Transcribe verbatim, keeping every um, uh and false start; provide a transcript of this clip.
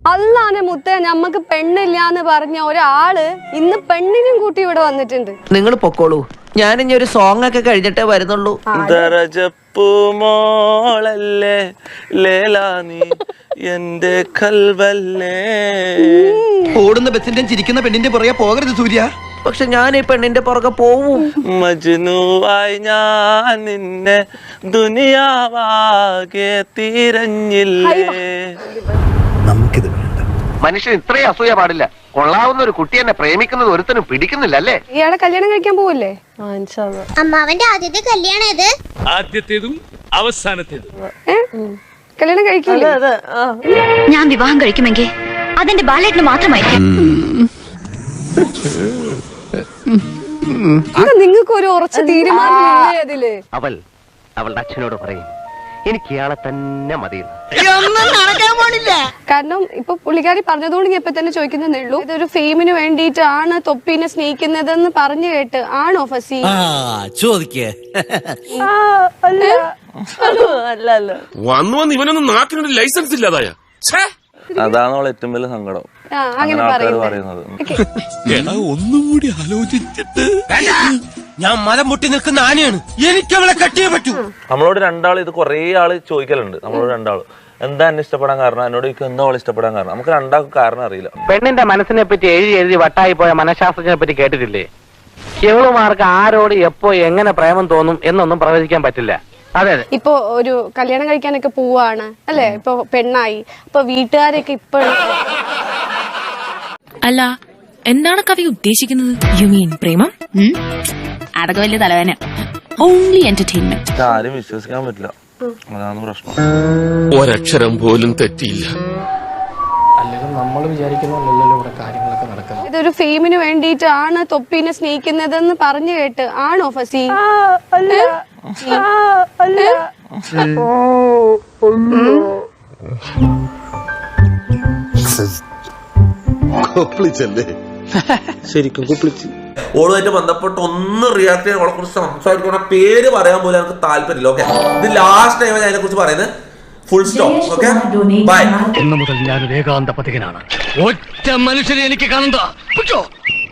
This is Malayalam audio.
അല്ലാനെ മുത്തേ ഞമ്മക്ക് പെണ്ണില്ലാന്ന് പറഞ്ഞ ഒരാള് ഇന്ന് പെണ്ണിനും കൂട്ടി ഇവിടെ വന്നിട്ടുണ്ട്. നിങ്ങൾ പൊക്കോളൂ, ഞാൻ ഇനി ഒരു സോങ് ഒക്കെ കഴിഞ്ഞിട്ടേ വരുന്നുള്ളൂ. മോളല്ലേ ലേലാനി എന്റെ കൽവല്ലേ. ഓടുന്ന ബസിന്റെ ചിരിക്കുന്ന പെണ്ണിന്റെ പുറകെ പോകരുത് സൂര്യ. പക്ഷെ ഞാൻ ഈ പെണ്ണിന്റെ പുറകെ പോവും. മജ്നുവായി ഞാൻ നിന്നെ ദുനിയാവാകെ തിരഞ്ഞില്ലേ. നമുക്കിത് വേണ്ട. മനുഷ്യൻ ഇത്രയും അസൂയ പാടില്ല. കൊള്ളാവുന്ന ഒരു കുട്ടി എന്നെ പ്രേമിക്കുന്നത് ഒരുത്തനും പിടിക്കുന്നില്ല അല്ലേ? ഇയാളെ കല്യാണം കഴിക്കാൻ പോവല്ലേ? അമ്മാവന്റെ ആദ്യത്തെ കല്യാണം ഇത് ആദ്യത്തേതും അവസാനത്തേതും. കല്യാണം കഴിക്കില്ല. ഞാൻ വിവാഹം കഴിക്കുമെങ്കിൽ അതെന്റെ ബാലേട്ടിന് മാത്രമായിരിക്കും. നിങ്ങൾക്ക് ഒരു ഉറച്ച തീരുമാനമില്ലേ അതില്? അവൾ അവളുടെ അച്ഛനോട് പറയും എനിക്ക് ഇയാളെ തന്നെ മതി. കാരണം ഇപ്പൊ പുള്ളിക്കാരി പറഞ്ഞതുകൊണ്ട് ഞാൻ ഇപ്പൊ തന്നെ ചോദിക്കുന്നതേ ഉള്ളൂ. ഇതൊരു ഫെയിമിന് വേണ്ടിയിട്ടാണ് തൊപ്പീനെ സ്നേഹിക്കുന്നതെന്ന് പറഞ്ഞു കേട്ട് ആണോ ഫസി? വന്നു വന്ന് ഇവനൊന്നും നാട്ടിനൊരു ലൈസൻസ് ഇല്ലാതായ. അതാണ് അവൾ ഏറ്റവും വലിയ സങ്കടം. അങ്ങനെ പറയുന്നത് ഒന്നും കൂടി ആലോചിച്ചിട്ട് ഞാൻ മരം മുട്ടി നിൽക്കുന്ന ആനയാണ്, എനിക്ക് അവളെ കട്ടിയേ പറ്റൂ. നമ്മളോട് രണ്ടാൾ ഇത് കുറെ ആള് ചോദിക്കലുണ്ട്. നമ്മളോട് രണ്ടാള് എന്താ എന്നെ ഇഷ്ടപ്പെടാൻ കാരണം, എന്നോട് ചോദിക്കും എന്താ അവൾ ഇഷ്ടപ്പെടാൻ കാരണം. നമുക്ക് രണ്ടാൾക്കും കാരണം അറിയില്ല. പെണ്ണിന്റെ മനസ്സിനെ പറ്റി എഴുതി എഴുതി വട്ടായി പോയ മനഃശാസ്ത്രജ്ഞനെ പറ്റി കേട്ടിട്ടില്ലേ? കേവളുമാർക്ക് ആരോട് എപ്പോ എങ്ങനെ പ്രേമം തോന്നും എന്നൊന്നും പ്രവചിക്കാൻ പറ്റില്ല. അതെ അതെ. ഇപ്പൊ ഒരു കല്യാണം കഴിക്കാനൊക്കെ പോവാണ് അല്ലെ, ഇപ്പൊ പെണ്ണായി, അപ്പൊ വീട്ടുകാരൊക്കെ ഇപ്പോഴും അല്ല എന്താണ് കവി ഉദ്ദേശിക്കുന്നത്? യു മീൻ പ്രേമം? അതൊക്കെ വലിയ തലവേന. Only entertainment. ആരും വിശ്വസിക്കാൻ പറ്റില്ല, അതാണ് പ്രശ്നം. ഒരക്ഷരം പോലും തെറ്റിയില്ല. അല്ലെങ്കിൽ നമ്മൾ വിചാരിക്കുന്നല്ലോ ഇവിടെ കാര്യങ്ങളൊക്കെ നടക്കുന്നത്. ഇതൊരു ഫെയിമിന് വേണ്ടിയിട്ടാണ് തൊപ്പീനെ സ്നേഹിക്കുന്നതെന്ന് പറഞ്ഞു കേട്ട് ആണോ ഫസി? ശരിക്കും കുപ്പിളിച്ച് ഓളുമായിട്ട് ബന്ധപ്പെട്ട് ഒന്ന് റിയാക്ട് ചെയ്യാൻ അവളെ കുറിച്ച് സംസാരിക്കണ പേര് പറയാൻ പോലും എനിക്ക് താല്പര്യമില്ല. ഓക്കെ, ഇത് ലാസ്റ്റ് ടൈം ഞാൻ അതിനെ കുറിച്ച് പറയുന്നത്. Full stop. Okay, bye. ഇന്നു മുതൽ ഞാൻ ഏകാന്ത പതികനാണ്. ഒറ്റ മനുഷ്യരെ എനിക്ക് കാണണ്ട.